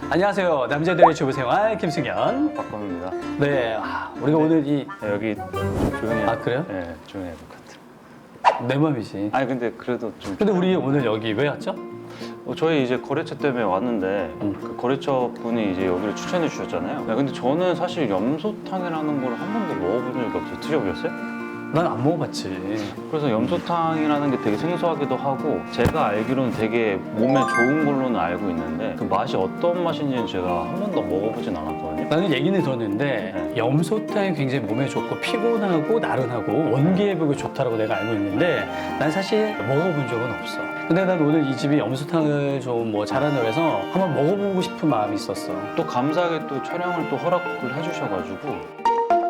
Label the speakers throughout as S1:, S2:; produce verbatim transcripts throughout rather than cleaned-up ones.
S1: 안녕하세요. 남자들의 주부생활 김승현.
S2: 박범입니다.
S1: 네, 아, 우리가 오늘 이
S2: 네, 여기 조용히
S1: 아, 그래요?
S2: 네, 조용히 해볼 것 같아요.
S1: 내 맘이지.
S2: 아니 근데 그래도 좀
S1: 근데 우리 오늘 여기 왜 왔죠?
S2: 어, 저희 이제 거래처 때문에 왔는데
S1: 음.
S2: 그 거래처 분이 이제 여기를 추천해 주셨잖아요. 네, 근데 저는 사실 염소탕이라는 걸 한 번도 먹어본 적이 없어요. 드셔보셨어요?
S1: 난 안 먹어봤지.
S2: 그래서 염소탕이라는 게 되게 생소하기도 하고 제가 알기로는 되게 몸에 좋은 걸로는 알고 있는데 그 맛이 어떤 맛인지는 제가 한 번도 먹어보진 않았거든요.
S1: 나는 얘기는 들었는데
S2: 네.
S1: 염소탕이 굉장히 몸에 좋고 피곤하고 나른하고 원기회복에 좋다라고 내가 알고 있는데 난 사실 먹어본 적은 없어. 근데 난 오늘 이 집이 염소탕을 좀 뭐 잘한다고 해서 한번 먹어보고 싶은 마음이 있었어.
S2: 또 감사하게 또 촬영을 또 허락을 해주셔가지고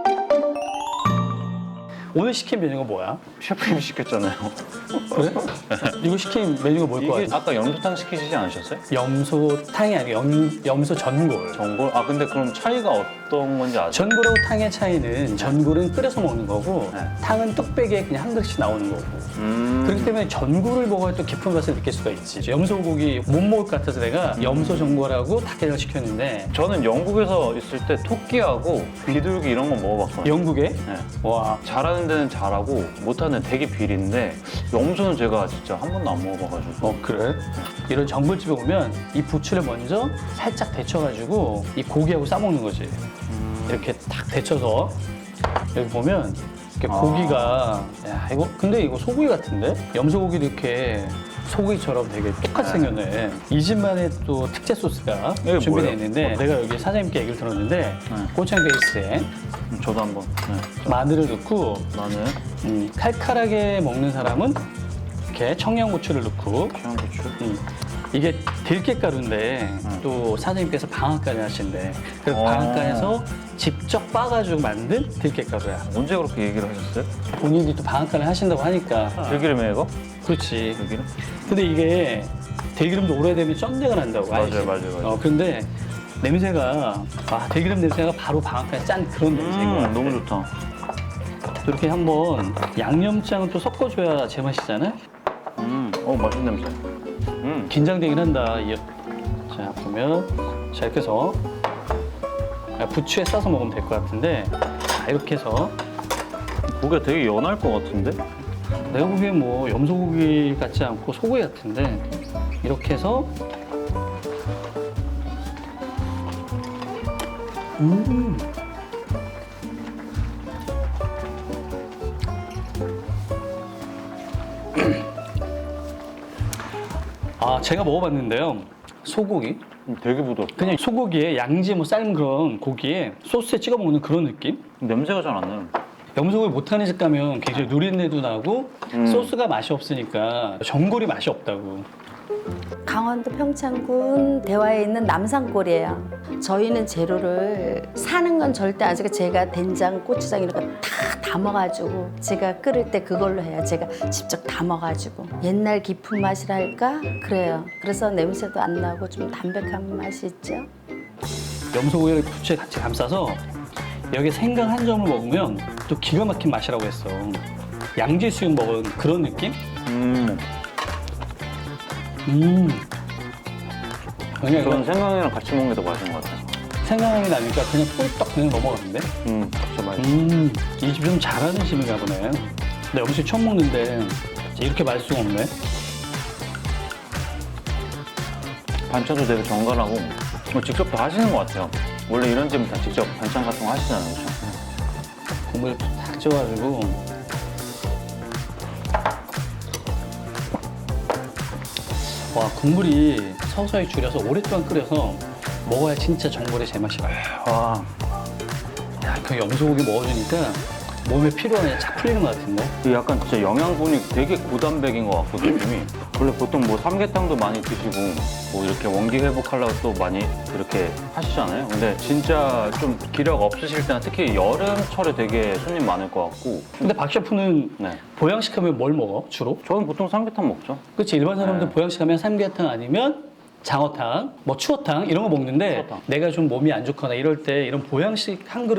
S1: 오늘 시킨 메뉴가 뭐야?
S2: 셰프님이 시켰잖아요.
S1: 그래? 이거 시킨 메뉴가 뭘 거야?
S2: 이게 아까 염소탕 시키시지 않으셨어요?
S1: 염소탕이 아니고 염, 염소 전골.
S2: 전골? 아 근데 그럼 차이가 어떤 건지 아세요?
S1: 전골하고 탕의 차이는 전골은 끓여서 먹는 거고
S2: 네.
S1: 탕은 뚝배기에 그냥 한 그릇씩 나오는 거고
S2: 음...
S1: 그렇기 때문에 전골을 먹어야 또 깊은 맛을 느낄 수가 있지. 염소고기 못 먹을 것 같아서 내가 염소 전골하고 닭게장을 시켰는데
S2: 저는 영국에서 있을 때 토끼하고 비둘기 이런 거 먹어봤거든요.
S1: 영국에
S2: 네.
S1: 와
S2: 잘하는 데는 잘하고 못하는 데는 되게 비린데 염소는 제가 진짜 한 번도 안 먹어봐가지고
S1: 어 그래? 이런 전골집에 오면 이 부추를 먼저 살짝 데쳐가지고 이 고기하고 싸먹는 거지.
S2: 음...
S1: 이렇게 탁 데쳐서 여기 보면 이렇게
S2: 아.
S1: 고기가 야 이거 근데 이거 소고기 같은데? 염소고기도 이렇게 소고기처럼 되게 똑같이
S2: 네.
S1: 생겼네. 이 집만의 또 특제 소스가
S2: 이게
S1: 준비되어
S2: 뭐예요?
S1: 있는데
S2: 어.
S1: 내가 여기 사장님께 얘기를 들었는데
S2: 네.
S1: 고창 베이스에
S2: 음, 저도 한번 네.
S1: 마늘을 넣고
S2: 나는
S1: 음, 칼칼하게 먹는 사람은 이렇게 청양고추를 넣고
S2: 청양고추
S1: 음, 이게 들깨가루인데
S2: 음.
S1: 또 사장님께서 방앗간을 하신대. 그래서
S2: 어.
S1: 방앗간에서 직접 빻아가지고 만든 들깨가루야.
S2: 언제 그렇게 얘기를 하셨어요?
S1: 본인이 또 방앗간을 하신다고 하니까.
S2: 들기름에 이거?
S1: 그렇지.
S2: 들기름?
S1: 근데 이게 들기름도 오래되면 쩐내가 난다고.
S2: 맞아요,
S1: 알지?
S2: 맞아요, 맞아요.
S1: 어, 근데 냄새가 아 들기름 냄새가 바로 방앗간에 짠 그런 냄새인 것
S2: 음,
S1: 같아.
S2: 너무 좋다.
S1: 이렇게 한번 양념장을 또 섞어줘야 제맛이잖아.
S2: 음, 어 맛있는 냄새. 음,
S1: 긴장되긴 한다. 이- 자 보면 자 이렇게 해서 부추에 싸서 먹으면 될 것 같은데 자 이렇게 해서
S2: 고기가 되게 연할 것 같은데?
S1: 내가 보기엔 뭐 염소고기 같지 않고 소고기 같은데 이렇게 해서 음 아, 제가 먹어봤는데요. 소고기?
S2: 음, 되게 부드럽다.
S1: 그냥 소고기에 양지 뭐 삶은 그런 고기에 소스에 찍어 먹는 그런 느낌?
S2: 냄새가 잘 안 나요.
S1: 염소고기 못하는 집 가면 굉장히 누린내도 나고
S2: 음.
S1: 소스가 맛이 없으니까 전골이 맛이 없다고.
S3: 강원도 평창군 대화에 있는 남산골이에요. 저희는 재료를 사는 건 절대 안 쓰고 제가 된장, 고추장 이런 거 다 담아가지고 제가 끓일 때 그걸로 해요. 제가 직접 담아가지고 옛날 깊은 맛이랄까 그래요. 그래서 냄새도 안 나고 좀 담백한 맛이 있죠.
S1: 염소고기를 부추에 같이 감싸서 여기 생강 한 점을 먹으면 또 기가 막힌 맛이라고 했어. 양지 수육 먹은 그런 느낌?
S2: 음,
S1: 음. 그냥
S2: 저는
S1: 이거
S2: 생강이랑 같이 먹는 게 더 맛있는 것 같아요.
S1: 생강이 나니까 그냥 꿀떡 그냥 넘어가는데?
S2: 음, 진짜 맛있어.
S1: 음, 이 집 좀 잘하는 집인가 보네. 나 음식 처음 먹는데 이렇게 맛있을 수가 없네.
S2: 반찬도 되게 정갈하고 뭐 직접 다 하시는 것 같아요. 원래 이런 집은 다 직접 반찬 같은 거 하시잖아요, 그렇죠?
S1: 국물 탁 쪄가지고 와 국물이 서서히 줄여서 오랫동안 끓여서 먹어야 진짜 전골의 제맛이 나요.
S2: 와,
S1: 야, 그 염소고기 먹어주니까 몸에 피로가 착 풀리는 것 같은데?
S2: 이 약간 진짜 영양분이 되게 고단백인 것 같고 느낌이. 원래 보통 뭐 삼계탕도 많이 드시고 뭐 이렇게 원기 회복하려고 또 많이 이렇게 하시잖아요. 근데 진짜 좀 기력 없으실 때나 특히 여름철에 되게 손님 많을 것 같고.
S1: 근데 박 셰프는
S2: 네,
S1: 보양식 하면 뭘 먹어, 주로?
S2: 저는 보통 삼계탕 먹죠.
S1: 그치, 일반 사람들
S2: 네.
S1: 보양식 하면 삼계탕 아니면 장어탕, 뭐 추어탕 이런 거 먹는데
S2: 추어탕.
S1: 내가 좀 몸이 안 좋거나 이럴 때 이런 보양식 한 그릇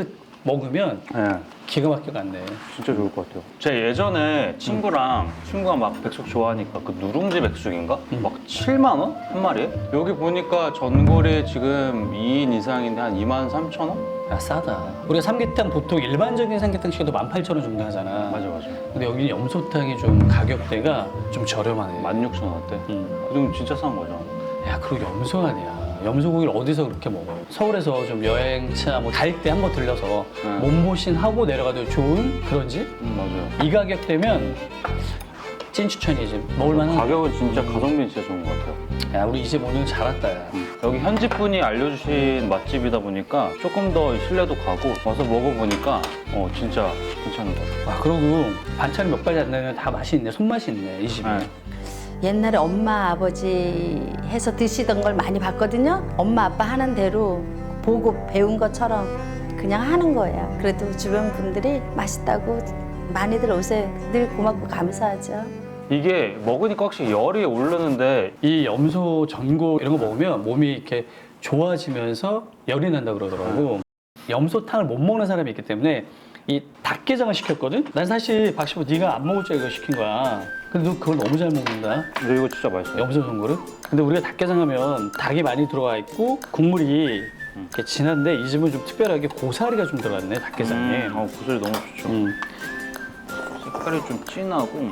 S1: 먹으면
S2: 네.
S1: 기가 막히게 간대.
S2: 진짜 좋을 것 같아요. 제가 예전에 친구랑 친구가 막 백숙 좋아하니까 그 누룽지 백숙인가?
S1: 음.
S2: 막 칠만 원? 한 마리에? 여기 보니까 전골이 지금 이 인 이상인데 한 이만 삼천 원?
S1: 야, 싸다. 우리가 삼계탕 보통 일반적인 삼계탕 시켜도 만 팔천 원 정도 하잖아.
S2: 맞아 맞아.
S1: 근데 여기 염소탕이 좀 가격대가 좀 저렴하네.
S2: 만 육천 원대?
S1: 음.
S2: 그럼 진짜 싼 거죠.
S1: 야, 그리고 염소 아니야. 염소고기를 어디서 그렇게 먹어? 서울에서 좀 여행차 뭐 갈 때 한번 들려서
S2: 네.
S1: 몸보신 하고 내려가도 좋은 그런 집?
S2: 음, 맞아요.
S1: 이 가격대면 찐 추천이지. 먹을만한.
S2: 가격은 진짜 가성비 진짜 좋은 것 같아요.
S1: 야, 우리 이 집 오늘 잘 왔다. 야.
S2: 여기 현지 분이 알려주신 맛집이다 보니까 조금 더 신뢰도 가고 와서 먹어보니까 어 진짜 괜찮은 것 같아요.
S1: 아, 그러고 반찬이 몇 가지 안 나면 다 맛이 있네. 손맛이 있네, 이 집이.
S2: 네.
S3: 옛날에 엄마 아버지 해서 드시던 걸 많이 봤거든요. 엄마 아빠 하는 대로 보고 배운 것처럼 그냥 하는 거예요. 그래도 주변 분들이 맛있다고 많이들 오세요. 늘 고맙고 감사하죠.
S2: 이게 먹으니까 확실히 열이 오르는데
S1: 이 염소 전골 이런 거 먹으면 몸이 이렇게 좋아지면서 열이 난다 그러더라고. 염소탕을 못 먹는 사람이 있기 때문에 이 닭게장을 시켰거든? 난 사실 박시보 네가 안 먹을 줄 알고 시킨 거야. 근데 너 그걸 너무 잘 먹는다.
S2: 근데 이거 진짜 맛있어요.
S1: 염소 전골을. 근데 우리가 닭게장 하면 닭이 많이 들어가 있고 국물이 이렇게 진한데 이 집은 좀 특별하게 고사리가 좀 들어갔네, 닭게장에.
S2: 음, 어, 구슬 너무 좋죠.
S1: 음.
S2: 색깔이 좀 진하고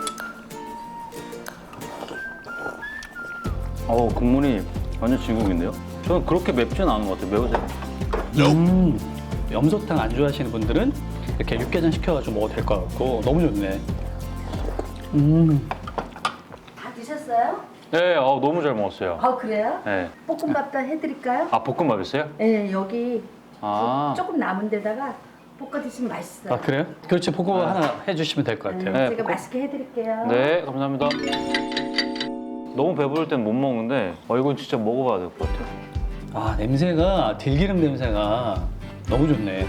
S2: 어 국물이 완전 진국인데요? 저는 그렇게 맵지는 않은 것 같아요. 매우세요.
S1: 음. 염소탕 안 좋아하시는 분들은 이렇게 육개장 시켜가지고 먹어도 될 것 같고 너무 좋네. 음.
S3: 다 드셨어요?
S2: 네, 어, 너무 잘 먹었어요.
S3: 아 그래요?
S2: 네.
S3: 볶음밥도 해드릴까요?
S2: 아 볶음밥 있어요?
S3: 네 여기
S2: 아,
S3: 조금 남은 데다가 볶아 드시면 맛있어요.
S1: 아, 그래요? 그렇지, 볶음밥
S2: 네.
S1: 하나 해주시면 될 것 같아요.
S2: 네,
S3: 제가
S2: 볶음-
S3: 맛있게 해드릴게요.
S2: 네, 감사합니다. 너무 배부를 땐 못 먹는데 어, 이건 진짜 먹어봐야 될 것 같아요.
S1: 아, 냄새가 들기름 냄새가 너무 좋네.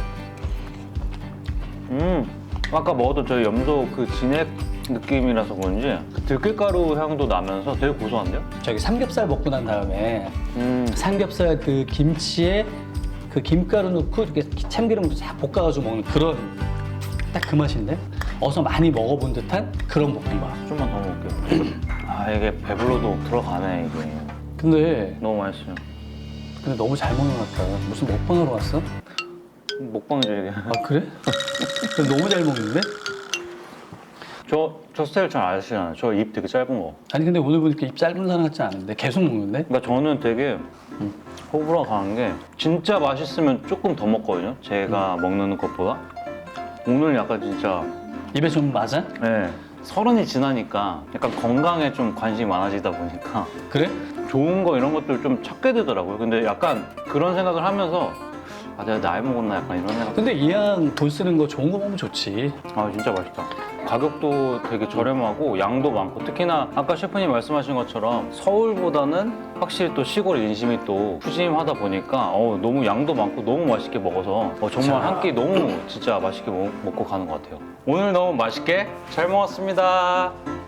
S2: 음, 아까 먹었던 저희 염소 그 진액 느낌이라서 그런지 그 들깨가루 향도 나면서 되게 고소한데요?
S1: 저기 삼겹살 먹고 난 다음에
S2: 음,
S1: 삼겹살 그 김치에 그 김가루 넣고 이렇게 참기름 싹 볶아가지고 먹는 그런 딱 그 맛인데? 어서 많이 먹어본 듯한 그런 볶음밥.
S2: 좀만 더 먹을게요. 아, 이게 배불러도 들어가네, 이게.
S1: 근데
S2: 너무 맛있어요.
S1: 근데 너무 잘 먹는 것 같다. 무슨 먹방하러 왔어?
S2: 먹방이죠, 이게.
S1: 아, 그래? 근데 너무 잘 먹는데?
S2: 저, 저 스타일 잘 아시잖아요. 저 입 되게 짧은 거.
S1: 아니 근데 오늘 보니까 입 짧은 사람 같지 않은데 계속 먹는데?
S2: 그러니까 저는 되게 호불호 강한 게 진짜 맛있으면 조금 더 먹거든요. 제가 먹는 것보다. 오늘 약간 진짜
S1: 입에 좀 맞아?
S2: 네, 서른이 지나니까 약간 건강에 좀 관심이 많아지다 보니까
S1: 그래?
S2: 좋은 거 이런 것들 좀 찾게 되더라고요. 근데 약간 그런 생각을 하면서 아 내가 나이 먹었나 약간 이런 생각.
S1: 근데 이왕 돈 쓰는 거 좋은 거 먹으면 좋지.
S2: 아 진짜 맛있다. 가격도 되게 저렴하고 양도 많고 특히나 아까 셰프님 말씀하신 것처럼 서울보다는 확실히 또 시골 인심이 또 푸짐하다 보니까 어, 너무 양도 많고 너무 맛있게 먹어서 어, 정말
S1: 자.
S2: 한 끼 너무 진짜 맛있게 먹, 먹고 가는 것 같아요. 오늘 너무 맛있게 잘 먹었습니다.